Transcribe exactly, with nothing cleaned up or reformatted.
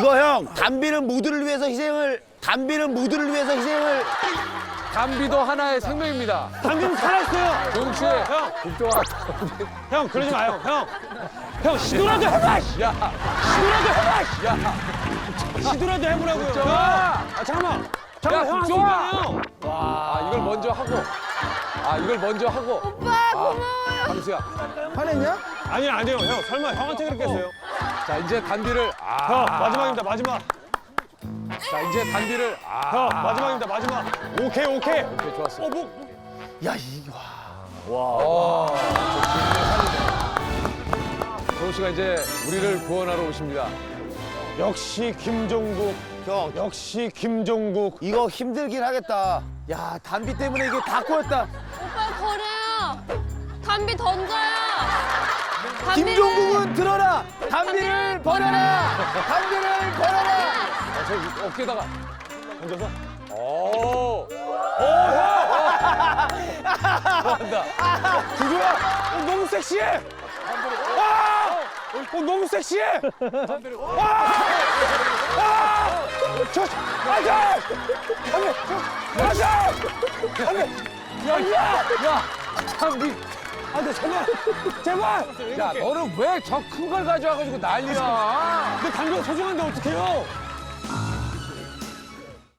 이거 형 담비는 모두를 위해서 희생을 담비는 모두를 위해서 희생을 담비도 하나의 생명입니다. 담비는 살아있어요. 조용 씨. 형, 국정아. 형 그러지 마요. 형, 형 시도라도 해봐. 씨. 야, 시도라도 해봐. 씨. 야, 시도라도 해보라고요. 형. 국정아. 아 잠깐만. 잠깐만 야, 형 국정아. 하시잖아요. 아, 이걸 먼저 하고. 아, 이걸 먼저 하고. 오빠 고마워요. 광수야. 화냈냐? 아니 아니요 형 설마 형한테 그렇게 했어요? 자, 이제 단비를. 아. 형 마지막입니다 마지막. 자, 이제 단비를. 아. 형 마지막입니다 마지막. 오케이 오케이. 오케이, 좋았어. 어 뭐? 야 이거 와. 조용 씨가 이제 우리를 구원하러 오십니다. 역시 김종국. 형 역시 김종국. 이거 힘들긴 하겠다. 야 담비 때문에 이게 다 꼬였다. 오빠 버려요. 담비 던져요. 담비를- 김종국은 들어라. 담비를 버려라. 담비를 버려라. 아, 저 어깨다가. 던져서. 오. 좋아한다. 주주야, 어, 너무 섹시해. 와, 어, 너무 섹시해. 단비를. 와, 와, 저, 아자, 안돼, 아자, 안돼, 야, 야, 야. 단비. 안돼, 제발, 제발. 야, 너는 왜 저 큰 걸 가져와가지고 난리야? 내 당근 소중한데 어떡해요?